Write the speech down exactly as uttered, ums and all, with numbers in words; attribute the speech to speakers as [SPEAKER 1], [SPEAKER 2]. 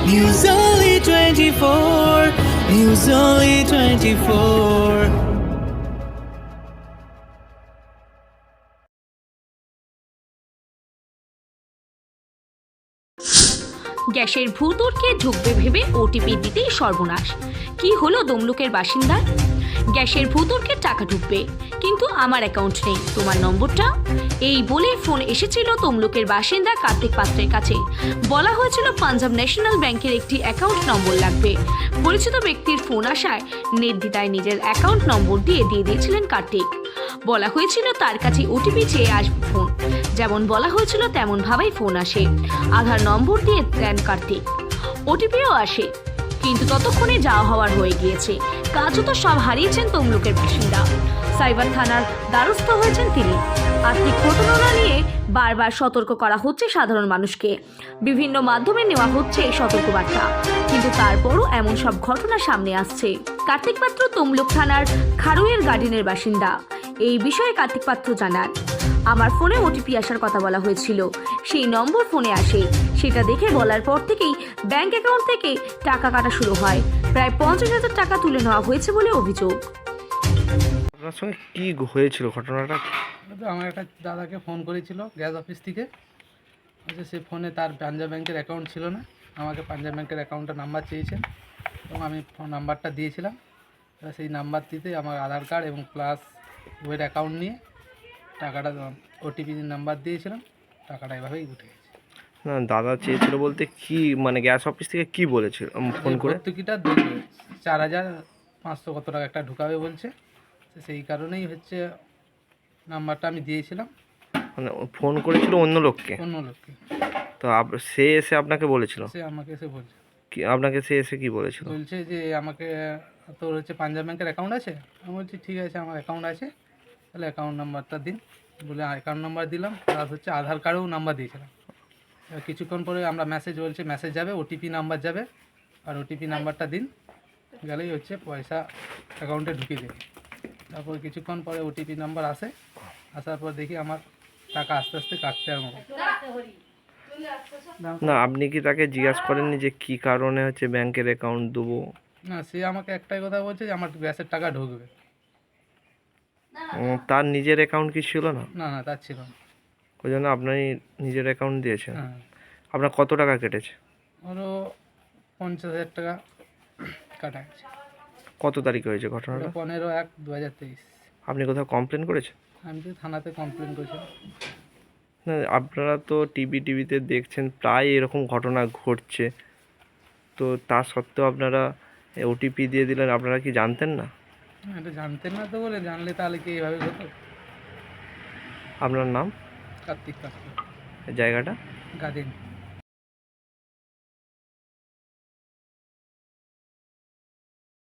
[SPEAKER 1] News Only twenty-four, News Only twenty-four.
[SPEAKER 2] গ্যাসের ভূতর্কে ঢুকবে ভেবে ওটিপি দিতেই সর্বনাশ। কি হলো তমলুকের বাসিন্দার? গ্যাসের ভূতর্কে টাকা ঢুকবে, কিন্তু আমার অ্যাকাউন্ট নেই, তোমার নম্বরটা? এই বলে ফোন এসেছিল তমলুকের বাসিন্দা কার্তিক পাত্রের কাছে। বলা হয়েছিল পাঞ্জাব ন্যাশনাল ব্যাংকের একটি অ্যাকাউন্ট নম্বর লাগবে। পরিচিত ব্যক্তির ফোন আসায় নির্দ্বিধায় নিজের অ্যাকাউন্ট নম্বর দিয়ে দিয়ে দিয়েছিলেন কার্তিক। বলা হয়েছিল তার কাছে ওটিপি চেয়ে আসবে ফোন। যেমন বলা হয়েছিল তেমন ভাবেই ফোন আসে। আধার নম্বর দিয়ে দেন কার্তিক, ওটিপিও আসে, কিন্তু ততক্ষণে যাওয়া হওয়ার হয়ে গিয়েছে। কাজও তো সব হারিয়েছেন তমলুকের বাসিন্দা। সাইবার থানার দ্বারস্থ হয়েছেন তিনি। আর্থিক প্রতারণা নিয়ে বারবার সতর্ক করা হচ্ছে সাধারণ মানুষকে, বিভিন্ন মাধ্যমে নেওয়া হচ্ছে সতর্কবার্তা, কিন্তু তারপরও এমন সব ঘটনা সামনে আসছে। কার্তিক পাত্র তমলুক থানার খারুইয়ের গার্ডেনের বাসিন্দা। এই বিষয়ে কার্তিক পাত্র জানান, আমার ফোনে ওটিপি আসার কথা বলা হয়েছিল, সেই নম্বর ফোনে আসে। সেটা দেখে বলার পর থেকেই ব্যাংক অ্যাকাউন্ট থেকে টাকা কাটা শুরু হয়। প্রায় পঞ্চাশ হাজার টাকা তুলে নেওয়া হয়েছে বলে অভিযোগ।
[SPEAKER 3] আপনার সঙ্গে কি হয়েছিল ঘটনাটা?
[SPEAKER 4] আমার একটা দাদাকে ফোন করেছিল গ্যাস অফিস থেকে। আচ্ছা, সে ফোনে তার পাঞ্জাব ব্যাংকের অ্যাকাউন্ট ছিল না, আমাকে পাঞ্জাব ব্যাংকের অ্যাকাউন্টের নাম্বার চেয়েছেন এবং আমি ফোন নাম্বারটা দিয়েছিলাম। সেই নাম্বারটিতে আমার আধার কার্ড এবং প্লাস ওয়ের অ্যাকাউন্ট নিয়ে টাকাটা ওটিপি নাম্বার দিয়েছিলাম, টাকাটা এভাবেই উঠে গেছে।
[SPEAKER 3] না, দাদা চেয়েছিল বলতে কি, মানে গ্যাস অফিস থেকে কি বলেছিল ফোন করে?
[SPEAKER 4] ভর্তুকিটা দেখবে চার হাজার পাঁচশো কত টাকা একটা ঢুকাবে বলছে, সেই কারণেই হচ্ছে নাম্বারটা আমি দিয়েছিলাম।
[SPEAKER 3] মানে ফোন করেছিল অন্য লোককে?
[SPEAKER 4] অন্য লোককে।
[SPEAKER 3] তো সে এসে আপনাকে বলেছিল?
[SPEAKER 4] সে আমাকে এসে বলছে।
[SPEAKER 3] কি আপনাকে সে এসে কি বলেছিল?
[SPEAKER 4] বলছে যে আমাকে তোর হচ্ছে পাঞ্জাব ব্যাংকের অ্যাকাউন্ট আছে? আমি বলছি ঠিক আছে, আমার অ্যাকাউন্ট আছে, তাহলে অ্যাকাউন্ট নাম্বারটা দিন। বলে অ্যাকাউন্ট নাম্বার দিলাম, প্লাস হচ্ছে আধার কার্ডেও নাম্বার দিয়েছিলাম। কিছুক্ষণ পরে আমরা মেসেজ বলছে মেসেজ যাবে, ওটিপি নাম্বার যাবে, আর ওটিপি নাম্বারটা দিন, গেলেই হচ্ছে পয়সা অ্যাকাউন্টে ঢুকিয়ে দেবে। তারপর কিছুক্ষণ পরে ওটিপি নাম্বার আসে, আসার পর দেখি আমার টাকা আস্তে আস্তে কাটতে আরম্ভ করে।
[SPEAKER 3] না, আপনি কি তাকে জিজ্ঞাসা করেননি যে কি কারণে হচ্ছে ব্যাংকের অ্যাকাউন্ট দেবো?
[SPEAKER 4] না, সে আমাকে একটাই কথা বলছে যে আমার গ্যাসের টাকা ঢুকবে।
[SPEAKER 3] তার নিজের অ্যাকাউন্ট কি ছিল না?
[SPEAKER 4] না না, তার ছিল না।
[SPEAKER 3] ওই জন্য আপনি নিজের অ্যাকাউন্ট দিয়েছেন।
[SPEAKER 4] হ্যাঁ।
[SPEAKER 3] আপনার কত টাকা কেটেছে?
[SPEAKER 4] ওরও পঞ্চাশ হাজার টাকা কাটা গেছে।
[SPEAKER 3] কত তারিখে হয়েছে ঘটনাটা?
[SPEAKER 4] পনেরো এক দু হাজার তেইশ।
[SPEAKER 3] আপনি কোথাও কমপ্লেন করেছেন?
[SPEAKER 4] আমি তো থানাতে কমপ্লেন করেছিলাম।
[SPEAKER 3] না, আপনারা তো টিভি টিভিতে দেখছেন প্রায় এরকম ঘটনা ঘটছে, তো তা সত্ত্বেও আপনারা ওটিপি দিয়ে দিলেন। আপনারা কি জানতেন না?
[SPEAKER 4] এটা জানতেন না তো, বলে জানলে তাহলে কি এইভাবে হতো?
[SPEAKER 3] আপনার নাম?
[SPEAKER 4] কার্তিক পাত্র,
[SPEAKER 3] জায়গাটা?
[SPEAKER 4] গাদিন।